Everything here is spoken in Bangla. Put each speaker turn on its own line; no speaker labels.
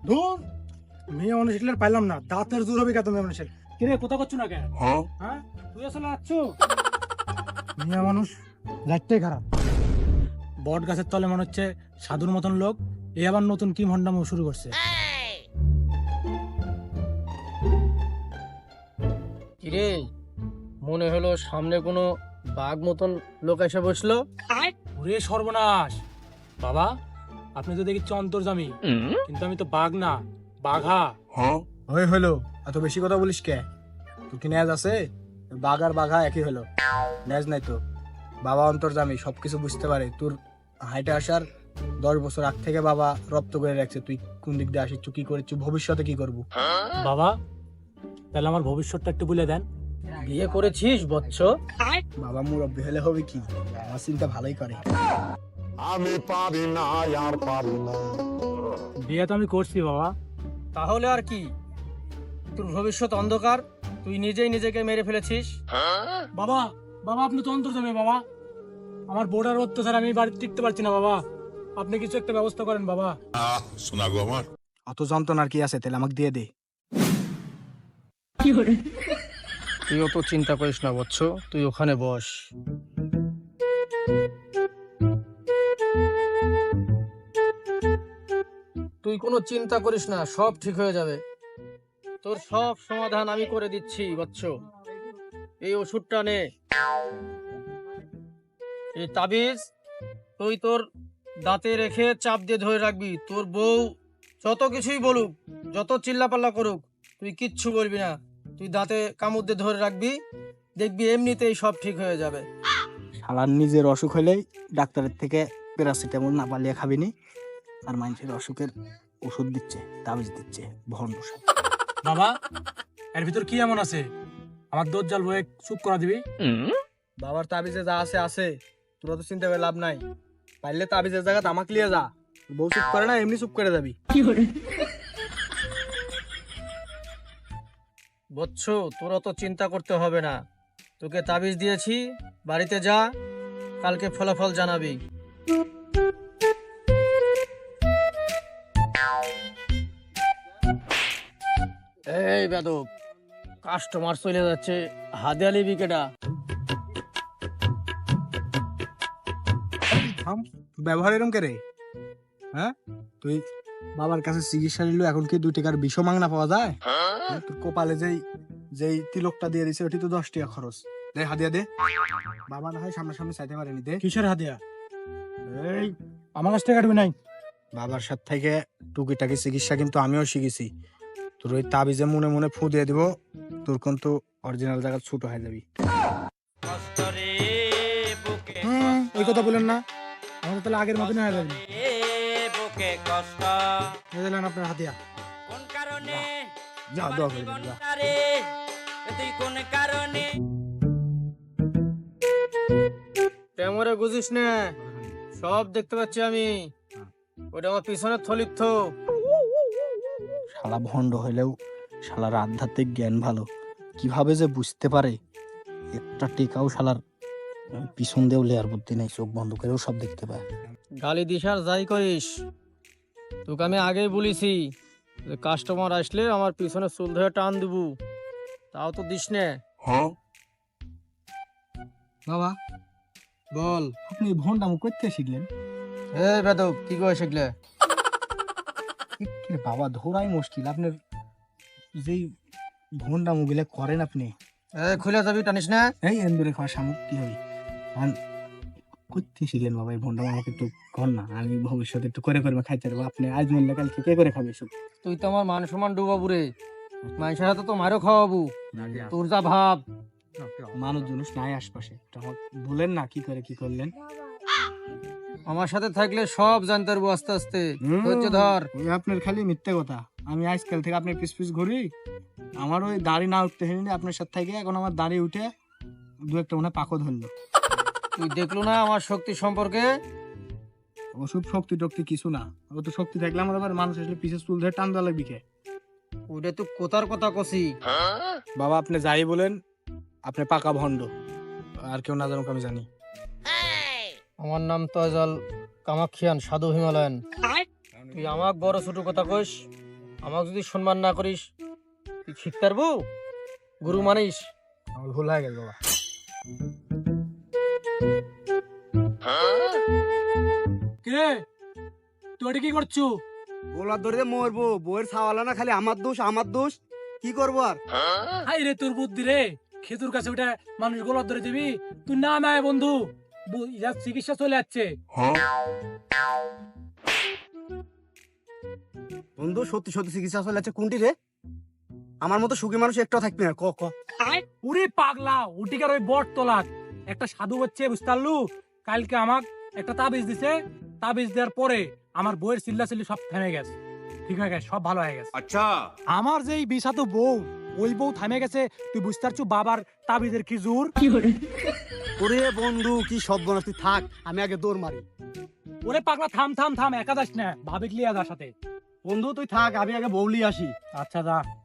ধুর, মেয়ে মানুষের আর পাইলাম না, দাঁতের জোর হবে কত মেয়ে মানুষের। কিরে কোথা করছো না কেন? হ্যাঁ তুই আসলে আছো মেয়ে মানুষ লাইটটাই খারাপ। বট গাছের তলে মনে হচ্ছে সাধুর মতন লোক, এ আবার নতুন কি ভণ্ডামো শুরু করছে।
কিরে, মনে হলো সামনে কোনো বাঘ মতন লোক এসে বসলো।
ওরে সর্বনাশ, বাবা আপনি তো দেখি অন্তর্জামী, কিন্তু আমি তো বাঘ না, বাঘা। ওই হলো, এত বেশি কথা বলিস কে? তুই কি ন্যাজ আছে? বাঘ আর বাঘা একই হলো, ন্যাজ নাই তো। বাবা অন্তর্জামী, সবকিছু বুঝতে পারে। তোর হাইটে আসার 10 বছর আগ থেকে বাবা রপ্ত করে রাখছে তুই কোন দিক দিয়ে আসিস, তুই কি করিস, ভবিষ্যতে কি করবো। বাবা তাহলে আমার ভবিষ্যৎটা একটু বলে দেন।
বিয়ে করেছিস বৎস?
বাবা মুরব্বী হলে হবে কি, আমার চিন্তা ভালোই করে।
আমি পারি না, আর পারি না।
বিয়ে তো আমি করছি বাবা।
তাহলে আর কি, তোর ভবিষ্যৎ অন্ধকার, তুই নিজেই নিজেকে মেরে ফেলেছিস।
বাবা, বাবা আপনি তো অন্তর্জামী বাবা, আমার বোর্ডার অত্যাচার আমি বাড়িতে টিকতে পারছি না বাবা, আপনি কিছু একটা ব্যবস্থা করেন বাবা।
শোনা গো আমার,
অত যন্ত্রণার কি আছে, তাহলে আমাকে দিয়ে দে।
তুই অত চিন্তা করিস না বৎস, তুই ওখানে বস। তুই কোনো চিন্তা করিস না, সব ঠিক হয়ে যাবে। তোর সব সমাধান আমি করে দিচ্ছি বৎস। এই ওষুধটা নে, এই তাবিজ তুই তোর দাঁতে রেখে চাপ দিয়ে ধরে রাখবি। তোর বউ যত কিছুই বলুক, যত চিল্লাপাল্লা করুক, তুই কিচ্ছু বলবি না। তুই দাঁতে কামড় দিয়ে ধরে রাখবি, দেখবি এমনিতেই সব ঠিক হয়ে যাবে।
শালার নিজের অসুখ হলেই ডাক্তারের থেকে প্যারাসিটামল না পালিয়ে খাবিনি, আর মানুষের অসুখের ওষুধ দিচ্ছে, তাবিজ দিচ্ছে, ভণ্ড সব। বাবা এর ভিতর কি এমন আছে, আমার দোষ জাল বয়ে চুপ করা দিবি?
বাবার তাবিজে যা আছে আছে, তোরা তো চিন্তা করে লাভ নাই। পারলে তাবিজের জায়গা তামাক লিয়ে যা। বউ চুপ করে না, এমনি চুপ করে যাবি। বৎস, তোরা তো চিন্তা করতে হবে না, তোকে তাবিজ দিয়েছি, বাড়িতে যা, কালকে ফলাফল জানাবি। এই বেদব, কাস্টমার চলে যাচ্ছে, হাদিয়ালি বিকেটা।
ব্যবহার এরম কে রে? হ্যাঁ তুই বাবার কাছে চিকিৎসা নিল, এখন কি 2 টাকার বিষ মাংনা পাওয়া যায়? তোর কপালে যেই যেই তিলকটা দিয়ে দিছে ওটি তো 10 টাকা খরচ। দে হাদিয়া দে। বাবা না হয় সামনাসামনি চাইতে পারেনি, দে। কিসের হাদিয়া? এই আমার কাছ থেকে কাটবি নাই। বাবার সাথে থেকে টুকিটাকি চিকিৎসা কিন্তু আমিও শিখেছি। তোর ওই তাবিজে মনে মনে ফু দিয়ে দিব, তোর কিন্তু অরিজিনাল জায়গা ছোট হয়ে যাবি। ওই কথা বলেন না, আমাদের তাহলে আগের মতনই হয়ে যাবে। দিলেন আপনার হাতিয়া। যা দোয়া করে দিন, যা।
ক্যামেরা বুঝিস না, সব দেখতে পাচ্ছি আমি। ওটা আমার পিছনের থলির থো।
শালা ভণ্ড হইলেও শালার আধ্যাত্মিক জ্ঞান ভালো, কিভাবে যে বুঝতে পারে একটা টেকাও শালার পিছন দিয়েও লেয়ার বুদ্ধি নেই, চোখ বন্ধ করেও সব দেখতে পায়।
গালি দিস আর যাই করিস, তোকে আমি আগেই বলেছি যে কাস্টমার আসলে আমার পিছনে চুল ধরে টান দিব, তাও তো দিস না।
বাবা বল, আপনি ভণ্ডামো করতে শিখলেন?
এই বেদব, কি করে শিখলে?
বাবা ধরাই মুশকিল, আপনার যেই ভণ্ডামো গুলো করেন আপনি।
এই খুলে যাবি, টানিস না।
এই এন্দুরে খাওয়া শামুক কি হবে? করতে শিখলেন বাবা এই ভণ্ডামো? আমাকে একটু কর না, আমি ভবিষ্যতে একটু করে করে খাইতে পারবো। আপনি আজ মরলে কালকে কে করে খাবে এসব?
তুই তো আমার মান সম্মান ডুবাবু রে, মানুষের হাতে তো মারও খাওয়াবু। তোর যা ভাব।
মানুষ জনুষ নাই আশপাশে, বলেন না কি করে কি করলেন।
আমার সাথে থাকলে সব জানতে পারবো আস্তে আস্তে। ধৈর্য ধর।
ওই আপনার খালি মিথ্যে কথা। আমি আজকাল থেকে আপনার পিছ পিছ ঘুরি, আমার ওই দাড়ি না উঠতে হয়নি আপনার সাথে থেকে, এখন আমার দাড়ি উঠে 2-1টা মনে হয় পাকও ধরলো।
তুই দেখলো না আমার শক্তি সম্পর্কে?
ওসব শক্তি টক্তি কিছু না, ও তো শক্তি থাকলে আমার আবার মানুষ আসলে পিছের চুল ধরে টান দেওয়া লাগবে কে?
ওটা তো কোথার কথা কছি।
বাবা আপনি যাই বলেন, আপনি পাকা ভণ্ড, আর কেউ না জানুক আমি জানি।
আমার নাম তয়জাল কামাখিয়ান, সাধু হিমালয়ান। তুই আমাক বড় ছোট কথা কইস, আমাকে যদি সম্মান না করিস তুই শিখতে পারবো গুরু মানিস?
আমার ভুল হয়ে গেল বাবা।
কিরে তুই ওটা কি করছু?
গোলার ধরে মরবো, বইয়ের ছাওয়ালা না খালি আমার দোষ আমার দোষ, কি করবো আর?
হাই রে তোর বুদ্ধি রে, খেতুর কাছে ওটা মানুষ গলার ধরে দিবি? তুই না না বন্ধু, যার চিকিৎসা চলে যাচ্ছে।
বন্ধু সত্যি সত্যি চিকিৎসা চলে যাচ্ছে কোনটি রে? আমার মতো সুখী মানুষ একটাও থাকবে না, ক ক।
উরে পাগলা, উটিকার ওই বট তোলাক একটা সাধু হচ্ছে, বুঝতে পারলু? কালকে আমাক একটা তাবিজ দিছে, তাবিজ দেওয়ার পরে আমার বইয়ের চিল্লাচিল্লি সব থেমে গেছে, ঠিক হয়ে গেছে, সব ভালো হয়ে গেছে।
अच्छा
আমার যে এই বিষাতো বউ, ওই বউ থামে গেছে। তুই বুঝতে পারছু বাবার তাবিজের কি জোর?
ওরে বন্ধু কি সব বনাস, তুই থাক, আমি আগে দৌড় মারি।
ওরে পাগলা থাম থাম থাম, একা যাস না, ভাবিক লিয়া যার সাথে।
বন্ধু তুই থাক, আমি আগে বউলি আসি।
আচ্ছা যা।